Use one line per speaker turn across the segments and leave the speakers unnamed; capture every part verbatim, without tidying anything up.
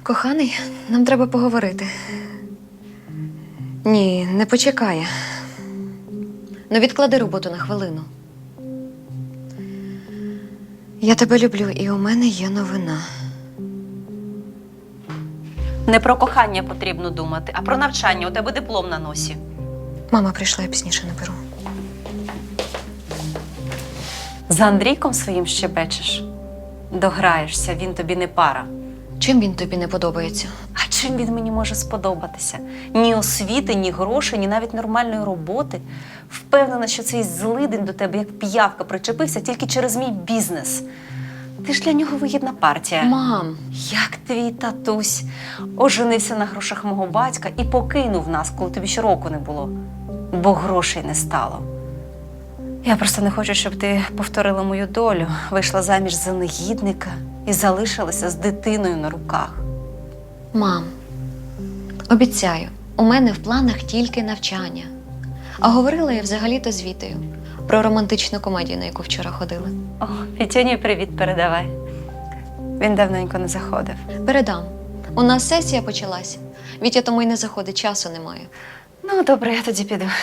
Коханий, нам треба поговорити. Ні, не почекає. Ну, відклади роботу на хвилину. Я тебе люблю, і у мене є новина.
Не про кохання потрібно думати, а про навчання. У тебе диплом на носі.
Мама прийшла, я пізніше наберу.
За Андрійком своїм щебечеш. Дограєшся, він тобі не пара.
Чим він тобі не подобається?
А чим він мені може сподобатися? Ні освіти, ні грошей, ні навіть нормальної роботи. Впевнена, що цей злидень до тебе, як п'явка, причепився тільки через мій бізнес. Ти ж для нього вигідна партія.
Мам!
Як твій татусь оженився на грошах мого батька і покинув нас, коли тобі ще року не було. Бо грошей не стало. Я просто не хочу, щоб ти повторила мою долю, вийшла заміж за негідника і залишилася з дитиною на руках.
Мам, обіцяю, у мене в планах тільки навчання. А говорила я взагалі-то з Вітею про романтичну комедію, на яку вчора ходили.
О, Вітюні привіт передавай. Він давненько не заходив.
Передам. У нас сесія почалась. Вітя тому й не заходить, часу немає.
Ну, добре, я тоді піду.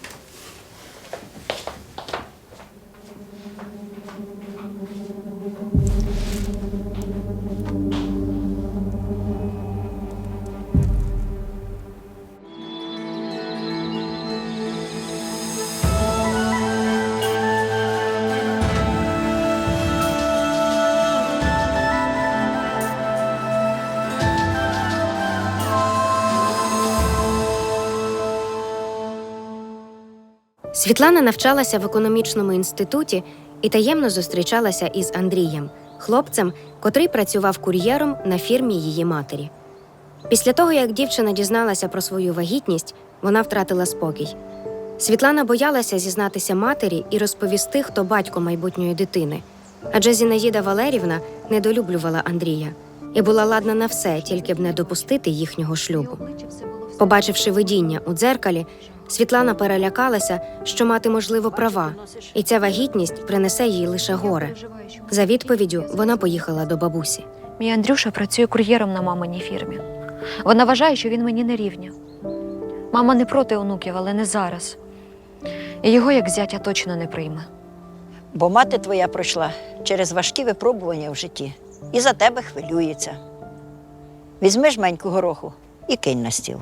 Світлана навчалася в економічному інституті і таємно зустрічалася із Андрієм, хлопцем, котрий працював кур'єром на фірмі її матері. Після того, як дівчина дізналася про свою вагітність, вона втратила спокій. Світлана боялася зізнатися матері і розповісти, хто батько майбутньої дитини. Адже Зінаїда Валерівна недолюблювала Андрія і була ладна на все, тільки б не допустити їхнього шлюбу. Побачивши видіння у дзеркалі, Світлана перелякалася, що мати, можливо, права, і ця вагітність принесе їй лише горе. За відповіддю вона поїхала до бабусі.
Мій Андрюша працює кур'єром на маминій фірмі. Вона вважає, що він мені не рівня. Мама не проти онуків, але не зараз. І його, як зятя, точно не прийме.
Бо мати твоя пройшла через важкі випробування в житті і за тебе хвилюється. Візьми жменьку гороху і кинь на стіл.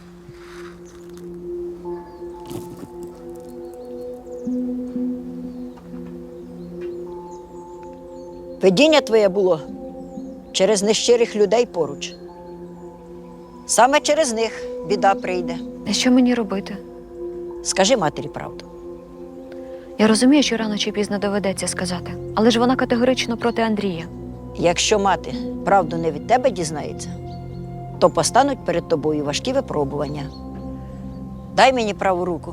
Видіння твоє було через нещирих людей поруч. Саме через них біда прийде.
А що мені робити?
Скажи матері правду.
Я розумію, що рано чи пізно доведеться сказати. Але ж вона категорично проти Андрія.
Якщо мати правду не від тебе дізнається, то постануть перед тобою важкі випробування. Дай мені праву руку.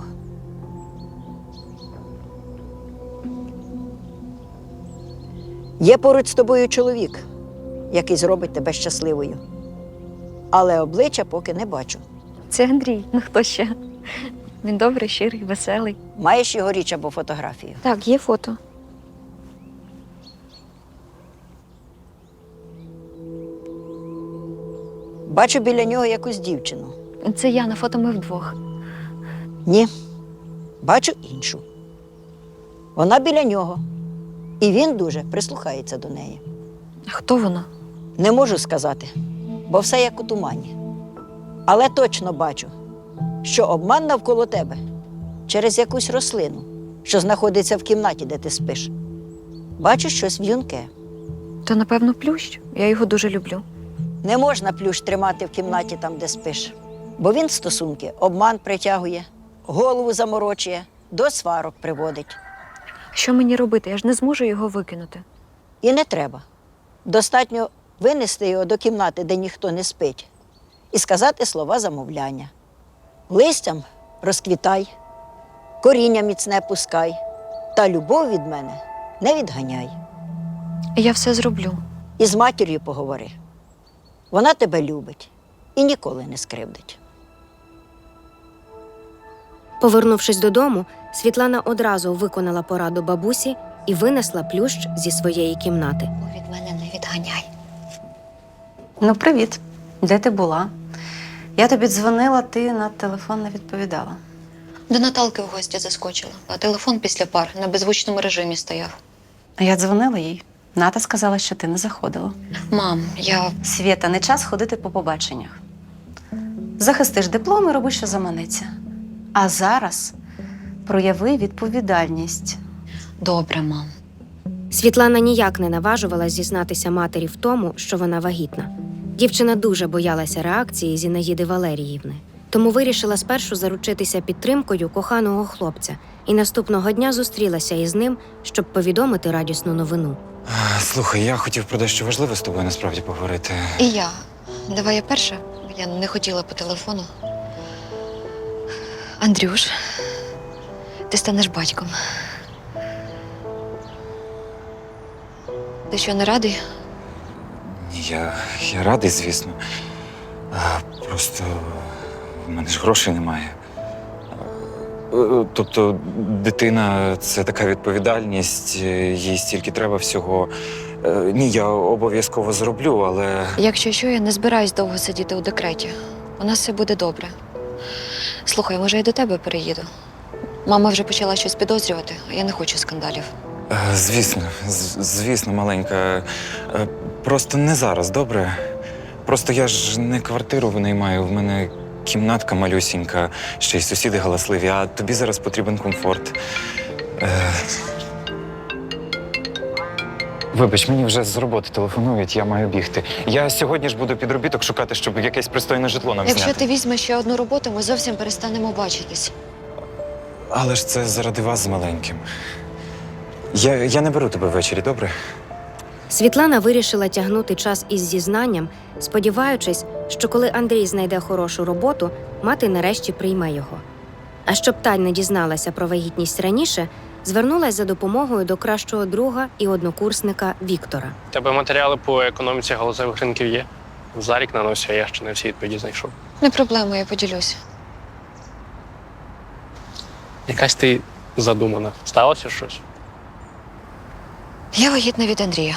Є поруч з тобою чоловік, який зробить тебе щасливою. Але обличчя поки не бачу.
Це Андрій. Ну хто ще? Він добрий, щирий, веселий.
Маєш його річ або фотографію?
Так, є фото.
Бачу біля нього якусь дівчину.
Це я, на фото ми вдвох.
Ні, бачу іншу. Вона біля нього. І він дуже прислухається до неї.
А хто вона?
Не можу сказати, бо все як у тумані. Але точно бачу, що обман навколо тебе через якусь рослину, що знаходиться в кімнаті, де ти спиш. Бачу щось в'юнке.
То, напевно, плющ. Я його дуже люблю.
Не можна плющ тримати в кімнаті там, де спиш. Бо він в стосунки обман притягує, голову заморочує, до сварок приводить.
Що мені робити? Я ж не зможу його викинути.
І не треба. Достатньо винести його до кімнати, де ніхто не спить, і сказати слова замовляння. Листям розквітай, коріння міцне пускай, та любов від мене не відганяй.
Я все зроблю.
І з матір'ю поговори. Вона тебе любить і ніколи не скривдить.
Повернувшись додому, Світлана одразу виконала пораду бабусі і винесла плющ зі своєї кімнати.
Від мене не відганяй.
Ну, привіт. Де ти була? Я тобі дзвонила, ти на телефон не відповідала.
До Наталки в гості заскочила, а телефон після пар на беззвучному режимі стояв.
А я дзвонила їй. Ната сказала, що ти не заходила.
Мам, я.
Свєта, не час ходити по побаченнях. Захистиш диплом і роби, що заманеться. А зараз прояви відповідальність.
Добре, мам.
Світлана ніяк не наважувалась зізнатися матері в тому, що вона вагітна. Дівчина дуже боялася реакції Зінаїди Валеріївни, тому вирішила спершу заручитися підтримкою коханого хлопця і наступного дня зустрілася із ним, щоб повідомити радісну новину.
А, Слухай, я хотів про дещо важливе з тобою насправді поговорити.
І я. Давай я перша. Я не хотіла по телефону. Андрюш, ти станеш батьком. Ти що, не радий?
Ні, я, я радий, звісно. А, просто в мене ж грошей немає. Е, Тобто, дитина це така відповідальність, е, їй стільки треба всього. Е, Ні, я обов'язково зроблю, але.
Якщо що, я не збираюсь довго сидіти у декреті. У нас все буде добре. Слухай, може, я до тебе переїду? Мама вже почала щось підозрювати, а я не хочу скандалів.
Е, Звісно, з- звісно, маленька. Е, Просто не зараз, добре? Просто я ж не квартиру винаймаю, в мене кімнатка малюсінька, ще й сусіди галасливі, а тобі зараз потрібен комфорт. Е... Вибач, мені вже з роботи телефонують, я маю бігти. Я сьогодні ж буду підробіток шукати, щоб якесь пристойне житло нам
Якщо
зняти.
ти візьмеш ще одну роботу, ми зовсім перестанемо бачитись.
Але ж це заради вас з маленьким. Я, я не беру тебе ввечері, добре?
Світлана вирішила тягнути час із зізнанням, сподіваючись, що коли Андрій знайде хорошу роботу, мати нарешті прийме його. А щоб Тань не дізналася про вагітність раніше, звернулась за допомогою до кращого друга і однокурсника Віктора.
У тебе матеріали по економіці галузевих ринків є? Зарік на носі, а я ще не всі відповіді знайшов.
Не проблема, я поділюсь.
Якась ти задумана. Сталося щось?
Я вагітна від Андрія.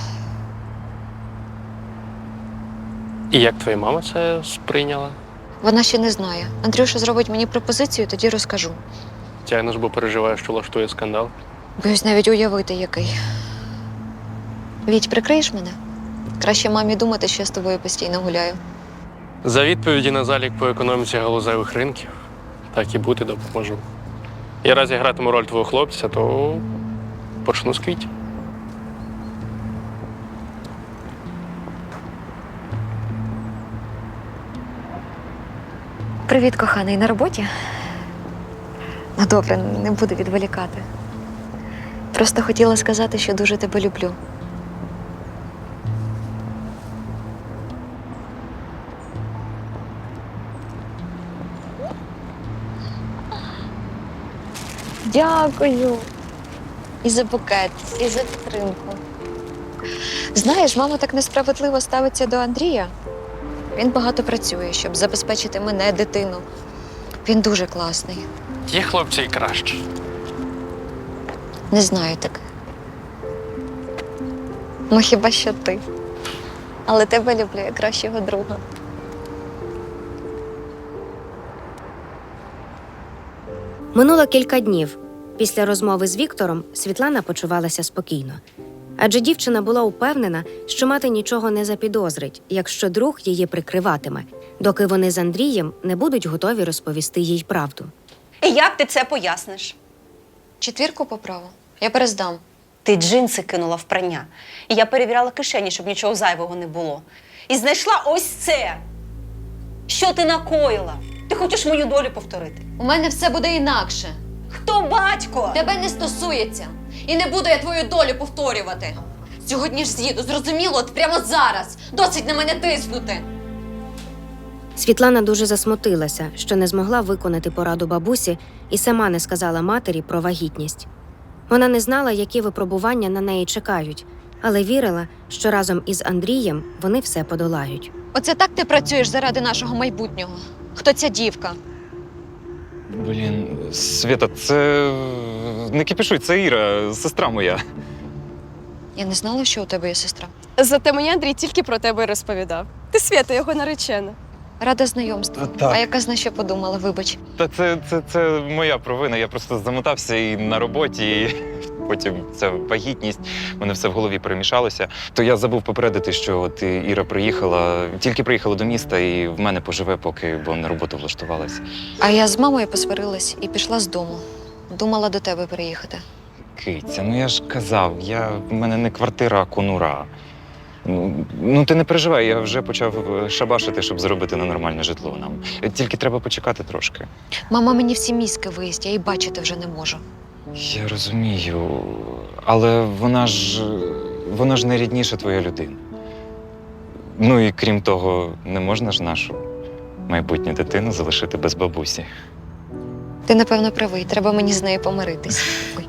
І як твоя мама це сприйняла?
Вона ще не знає. Андрюша зробить мені пропозицію, тоді розкажу.
Тягнеш, бо переживаєш, що влаштує скандал.
Боюсь навіть уявити, який. Віть, прикриєш мене? Краще мамі думати, що я з тобою постійно гуляю.
За відповіді на залік по економіці галузевих ринків, так і бути допоможу. Я раз я гратиму роль твого хлопця, то почну з квітів.
Привіт, коханий, на роботі? Ну добре, не буду відволікати. Просто хотіла сказати, що дуже тебе люблю. Дякую. І за букет, і за підтримку. Знаєш, мама так несправедливо ставиться до Андрія. Він багато працює, щоб забезпечити мене, дитину. Він дуже класний.
Є хлопці і краще.
Не знаю так. Ну хіба що ти. Але тебе люблю як кращого друга.
Минуло кілька днів. Після розмови з Віктором Світлана почувалася спокійно. Адже дівчина була упевнена, що мати нічого не запідозрить, якщо друг її прикриватиме, доки вони з Андрієм не будуть готові розповісти їй правду.
І як ти це поясниш?
Четвірку поправу. Я перездам.
Ти джинси кинула в прання. І я перевіряла кишені, щоб нічого зайвого не було. І знайшла ось це. Що ти накоїла? Ти хочеш мою долю повторити?
У мене все буде інакше.
Хто батько?
Тебе не стосується. І не буду я твою долю повторювати. Сьогодні ж з'їду, зрозуміло, от прямо зараз. Досить на мене тиснути.
Світлана дуже засмутилася, що не змогла виконати пораду бабусі і сама не сказала матері про вагітність. Вона не знала, які випробування на неї чекають, але вірила, що разом із Андрієм вони все подолають.
Оце так ти працюєш заради нашого майбутнього. Хто ця дівка?
Блін, Свята, це не кипішуй, це Іра, сестра моя.
Я не знала, що у тебе є сестра.
Зате мені Андрій тільки про тебе й розповідав. Ти Свята, його наречена.
Рада знайомству.
Та- так.
А яка зна, що подумала, вибач.
Та це, це, це моя провина. Я просто замотався і на роботі, і потім ця вагітність, в мене все в голові перемішалося. То я забув попередити, що от і Іра приїхала, тільки приїхала до міста і в мене поживе, поки бо на роботу влаштувалася.
А я з мамою посварилась і пішла з дому. Думала до тебе переїхати.
Киця, ну я ж казав, я, в мене не квартира, а конура. Ну, ну ти не переживай, я вже почав е, шабашити, щоб заробити на нормальне житло нам. Тільки треба почекати трошки.
Мама мені всі мізки виїсть, я її бачити вже не можу.
Я розумію, але вона ж вона ж найрідніша твоя людина. Ну і крім того, не можна ж нашу майбутню дитину залишити без бабусі.
Ти, напевно, правий, треба мені з нею помиритись. Ой.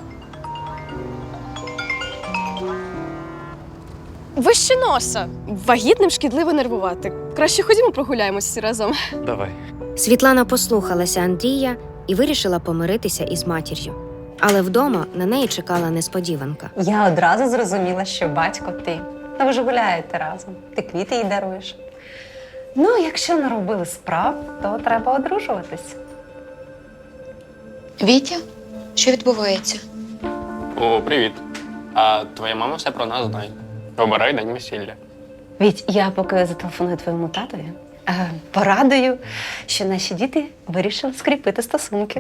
Вище носа. Вагітним шкідливо нервувати. Краще ходімо прогуляємось всі разом.
Давай.
Світлана послухалася Андрія і вирішила помиритися із матір'ю. Але вдома на неї чекала несподіванка.
Я одразу зрозуміла, що батько ти. Та ви ж гуляєте разом. Ти квіти їй даруєш. Ну, якщо наробили справ, то треба одружуватись.
Вітя, що відбувається?
О, привіт. А твоя мама все про нас знає. Обирай день весілля.
Віть, я поки зателефоную твоєму татові, е, порадую, що наші діти вирішили скріпити стосунки.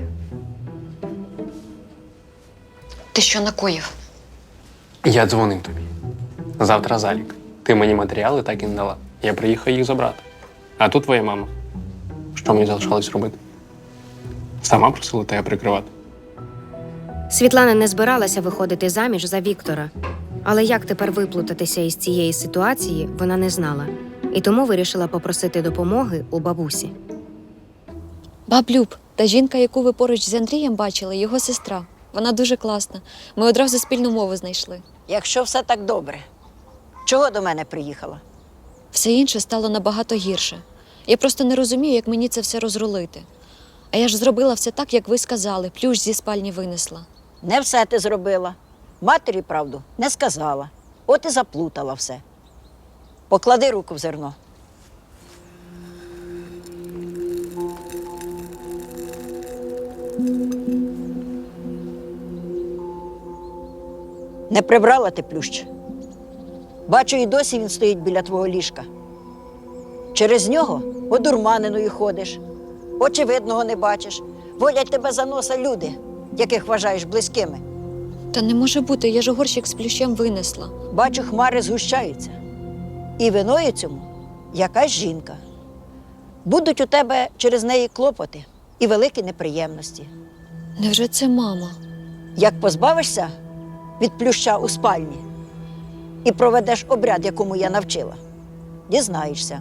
Ти що накоїв?
Я дзвонив тобі. Завтра залік. Ти мені матеріали так і не дала. Я приїхав їх забрати. А тут твоя мама. Що мені залишалось робити? Сама просила тебе прикривати.
Світлана не збиралася виходити заміж за Віктора. Але як тепер виплутатися із цієї ситуації, вона не знала. І тому вирішила попросити допомоги у бабусі.
Баб Люб, та жінка, яку ви поруч з Андрієм бачили, його сестра. Вона дуже класна. Ми одразу спільну мову знайшли.
Якщо все так добре, чого до мене приїхала?
Все інше стало набагато гірше. Я просто не розумію, як мені це все розрулити. А я ж зробила все так, як ви сказали, плющ зі спальні винесла.
Не все ти зробила. Матері правду не сказала. От і заплутала все. Поклади руку в зерно. Не прибрала ти плющ. Бачу, і досі він стоїть біля твого ліжка. Через нього одурманеною ходиш, очевидного не бачиш. Водять тебе за носа люди, яких вважаєш близькими.
Та не може бути, я ж горщик з плющем винесла.
Бачу, хмари згущаються. І виною цьому якась жінка. Будуть у тебе через неї клопоти і великі неприємності.
Невже це мама?
Як позбавишся від плюща у спальні і проведеш обряд, якому я навчила, дізнаєшся.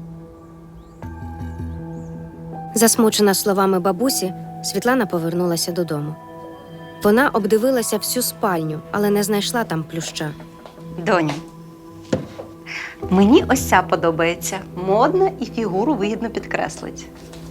Засмучена словами бабусі, Світлана повернулася додому. Вона обдивилася всю спальню, але не знайшла там плюща.
Доню, мені ось ця подобається. Модна і фігуру вигідно підкреслить.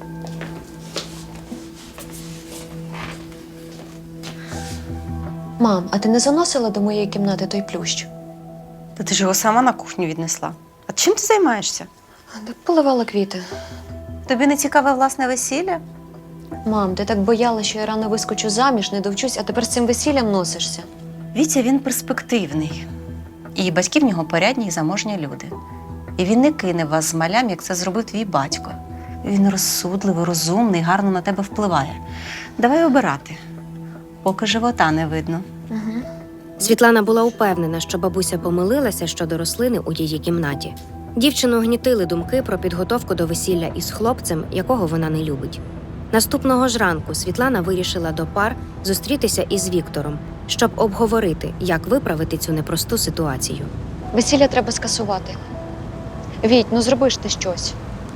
Мам, а ти не заносила до моєї кімнати той плющ?
Та ти ж його сама на кухню віднесла. А чим ти займаєшся?
Так поливала квіти.
Тобі не цікаве власне весілля?
Мам, ти так бояла, що я рано вискочу заміж, не довчусь, а тепер з цим весіллям носишся.
Вітя, він перспективний. І батьки в нього порядні і заможні люди. І він не кине вас з малям, як це зробив твій батько. Він розсудливий, розумний, гарно на тебе впливає. Давай обирати, поки живота не видно.
Світлана була упевнена, що бабуся помилилася щодо рослини у її кімнаті. Дівчину гнітили думки про підготовку до весілля із хлопцем, якого вона не любить. Наступного ж ранку Світлана вирішила до пар зустрітися із Віктором, щоб обговорити, як виправити цю непросту ситуацію.
Весілля треба скасувати. Віть, ну зроби ж ти щось.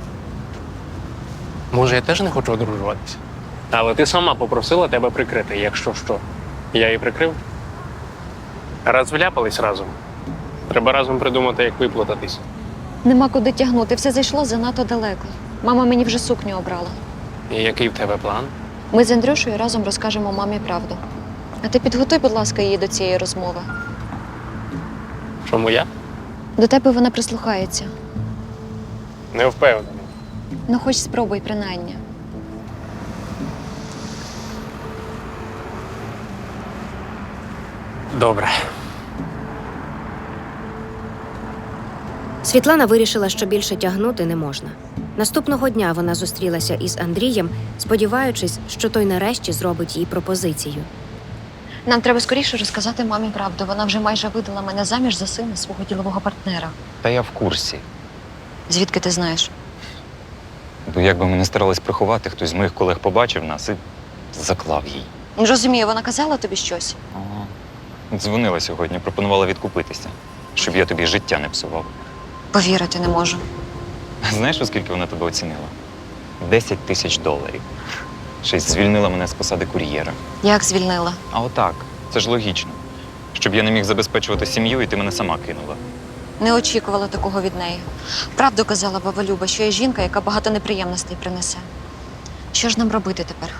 Може, я теж не хочу одружуватися. Але ти сама попросила тебе прикрити, якщо що. Я її прикрив. Раз вляпались разом. Треба разом придумати, як виплутатись.
Нема куди тягнути, все зайшло занадто далеко. Мама мені вже сукню обрала.
І який в тебе план?
Ми з Андрюшею разом розкажемо мамі правду. А ти підготуй, будь ласка, її до цієї розмови.
Чому я?
До тебе вона прислухається.
Не впевнений.
Ну, хоч спробуй, принаймні.
Добре.
Світлана вирішила, що більше тягнути не можна. Наступного дня вона зустрілася із Андрієм, сподіваючись, що той нарешті зробить їй пропозицію.
Нам треба скоріше розказати мамі правду. Вона вже майже видала мене заміж за сина свого ділового партнера.
Та я в курсі.
Звідки ти знаєш?
Бо як би ми не старались приховати, хтось з моїх колег побачив нас і заклав їй.
Не розумію, вона казала тобі щось?
Ага. Дзвонила сьогодні, пропонувала відкупитися, щоб я тобі життя не псував.
Повірити не можу.
Знаєш, оскільки вона тебе оцінила? Десять тисяч доларів. Ще й звільнила мене з посади кур'єра.
Як звільнила?
А отак, це ж логічно. Щоб я не міг забезпечувати сім'ю, і ти мене сама кинула.
Не очікувала такого від неї. Правду казала баба Люба, що є жінка, яка багато неприємностей принесе. Що ж нам робити тепер?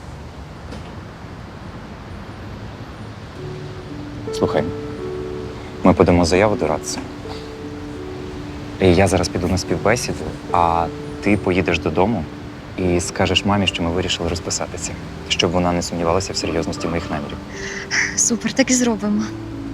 Слухай, ми подамо заяву до Радця. І я зараз піду на співбесіду, а ти поїдеш додому і скажеш мамі, що ми вирішили розписатися, щоб вона не сумнівалася в серйозності моїх намірів.
Супер, так і зробимо.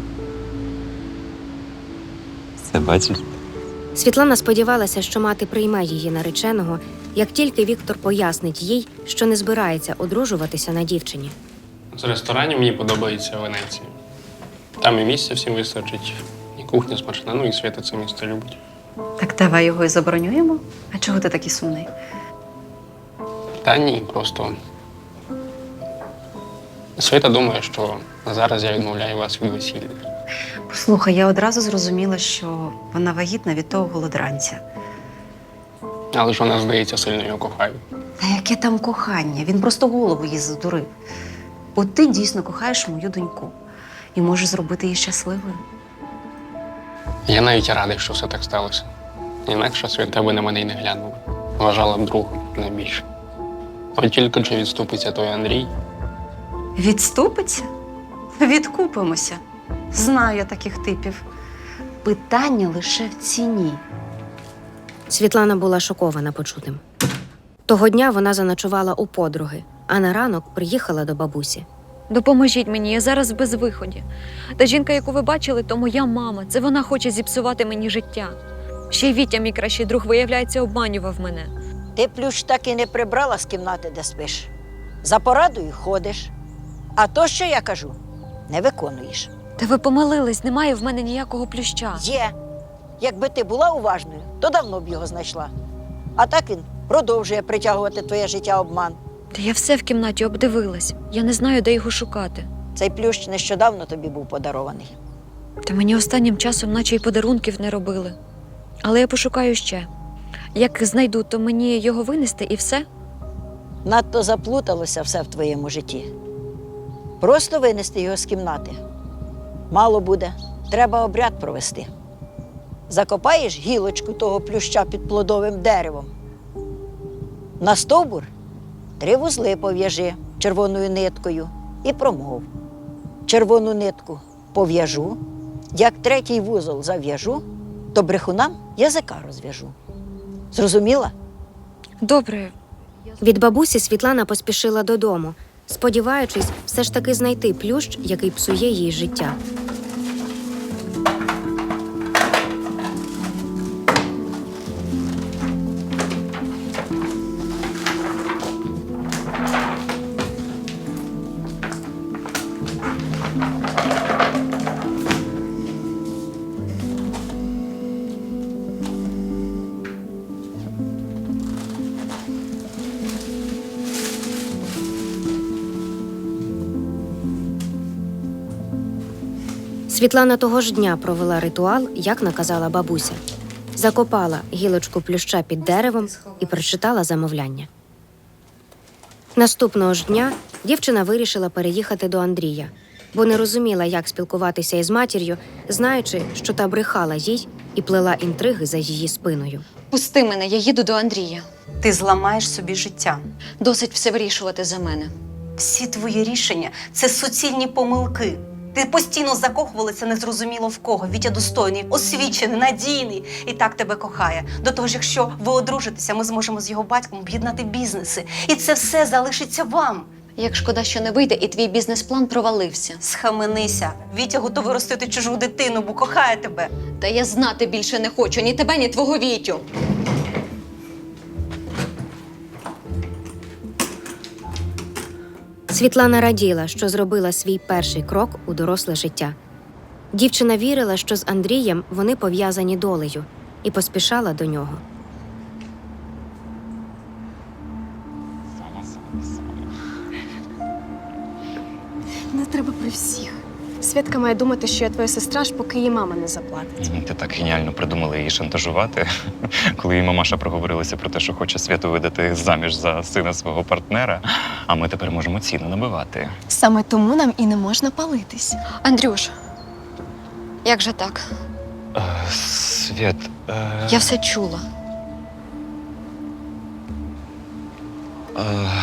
Це бачиш?
Світлана сподівалася, що мати прийме її нареченого, як тільки Віктор пояснить їй, що не збирається одружуватися на дівчині.
З ресторанів мені подобається Венеція. Там і місця всім вистачить, і кухня смачна, ну і Свята це місто любить.
Так давай його і заборонюємо. А чого ти такий сумний?
Та ні, просто. Свята думає, що зараз я відмовляю вас від весілля.
Послухай, я одразу зрозуміла, що вона вагітна від того голодранця.
Але ж вона, здається, сильно його кохає.
Та яке там кохання? Він просто голову їй задурив. От ти дійсно кохаєш мою доньку і можеш зробити її щасливою.
Я навіть радий, що все так сталося. Інакше Свята би на мене й не глянула. Вважала б другом найбільше. От тільки чи відступиться той Андрій.
Відступиться? Відкупимося. Знаю я таких типів. Питання лише в ціні.
Світлана була шокована почутим. Того дня вона заночувала у подруги, а на ранок приїхала до бабусі.
Допоможіть мені, я зараз в безвиході. Та жінка, яку ви бачили, то моя мама. Це вона хоче зіпсувати мені життя. Ще й Вітя, мій кращий друг, виявляється, обманював мене.
Ти плющ так і не прибрала з кімнати, де спиш. За порадою ходиш. А то, що я кажу, не виконуєш.
Та ви помилились, немає в мене ніякого плюща.
Є. Якби ти була уважною, то давно б його знайшла. А так він продовжує притягувати твоє життя обман.
Та я все в кімнаті обдивилась. Я не знаю, де його шукати.
Цей плющ нещодавно тобі був подарований.
Та мені останнім часом наче й подарунків не робили. Але я пошукаю ще. Як знайду, то мені його винести і все?
Надто заплуталося все в твоєму житті. Просто винести його з кімнати. Мало буде, треба обряд провести. Закопаєш гілочку того плюща під плодовим деревом. На стовбур три вузли пов'яжи червоною ниткою і промов. Червону нитку пов'яжу, як третій вузол зав'яжу, то брехунам язика розв'яжу. Зрозуміла?
Добре.
Від бабусі Світлана поспішила додому, сподіваючись все ж таки знайти плющ, який псує їй життя. Світлана того ж дня провела ритуал, як наказала бабуся. Закопала гілочку плюща під деревом і прочитала замовляння. Наступного ж дня дівчина вирішила переїхати до Андрія, бо не розуміла, як спілкуватися із матір'ю, знаючи, що та брехала їй і плела інтриги за її спиною.
Пусти мене, я їду до Андрія.
Ти зламаєш собі життя.
Досить все вирішувати за мене.
Всі твої рішення – це суцільні помилки. Ти постійно закохувалася незрозуміло в кого. Вітя достойний, освічений, надійний і так тебе кохає. До того ж, якщо ви одружитеся, ми зможемо з його батьком об'єднати бізнеси. І це все залишиться вам.
Як шкода, що не вийде, і твій бізнес-план провалився.
Схаменися. Вітя готовий ростити чужу дитину, бо кохає тебе.
Та я знати більше не хочу ні тебе, ні твого Вітю.
Світлана раділа, що зробила свій перший крок у доросле життя. Дівчина вірила, що з Андрієм вони пов'язані долею, і поспішала до нього.
Не треба при всіх. Святка має думати, що я твоя сестра, аж поки її мама не заплатить.
Ти так геніально придумала її шантажувати, коли її мамаша проговорилася про те, що хоче Святу видати заміж за сина свого партнера, а ми тепер можемо ціну набивати.
Саме тому нам і не можна палитись.
Андрюш, як же так?
Е, Свят, е,
Я все чула.
е,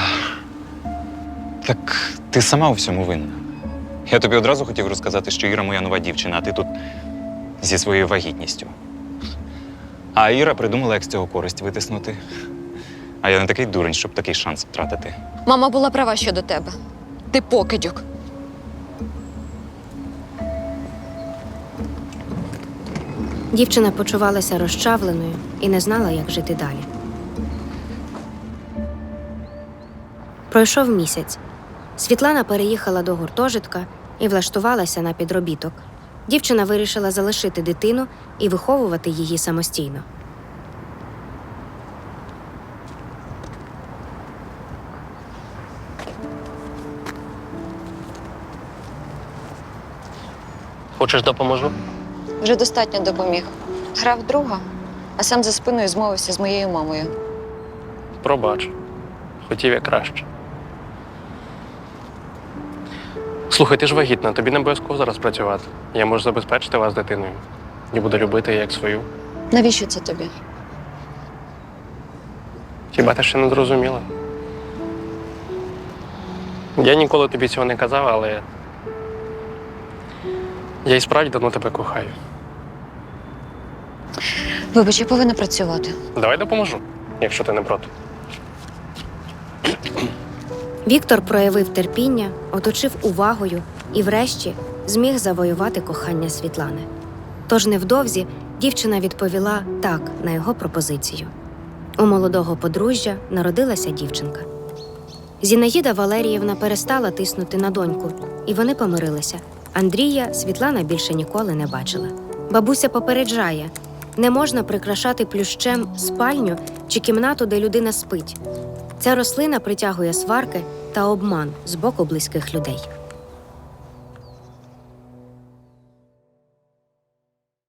так ти сама у всьому винна. Я тобі одразу хотів розказати, що Іра моя нова дівчина, а ти тут зі своєю вагітністю. А Іра придумала, як з цього користь витиснути. А я не такий дурень, щоб такий шанс втратити.
Мама була права щодо тебе. Ти покидьок.
Дівчина почувалася розчавленою і не знала, як жити далі. Пройшов місяць. Світлана переїхала до гуртожитка і влаштувалася на підробіток. Дівчина вирішила залишити дитину і виховувати її самостійно.
Хочеш, допоможу?
Вже достатньо допоміг. Грав друга, а сам за спиною змовився з моєю мамою.
Пробач. Хотів я краще. Слухай, ти ж вагітна, тобі не обов'язково зараз працювати. Я можу забезпечити вас дитиною. І буду любити її як свою.
Навіщо це тобі?
Хіба ти ще не зрозуміла? Я ніколи тобі цього не казав, але я і справді давно тебе кохаю.
Вибач, я повинна працювати.
Давай допоможу, якщо ти не проти.
Віктор проявив терпіння, оточив увагою і врешті зміг завоювати кохання Світлани. Тож невдовзі дівчина відповіла «так» на його пропозицію. У молодого подружжя народилася дівчинка. Зінаїда Валеріївна перестала тиснути на доньку, і вони помирилися. Андрія Світлана більше ніколи не бачила. Бабуся попереджає – не можна прикрашати плющем спальню чи кімнату, де людина спить. Ця рослина притягує сварки та обман з боку близьких людей.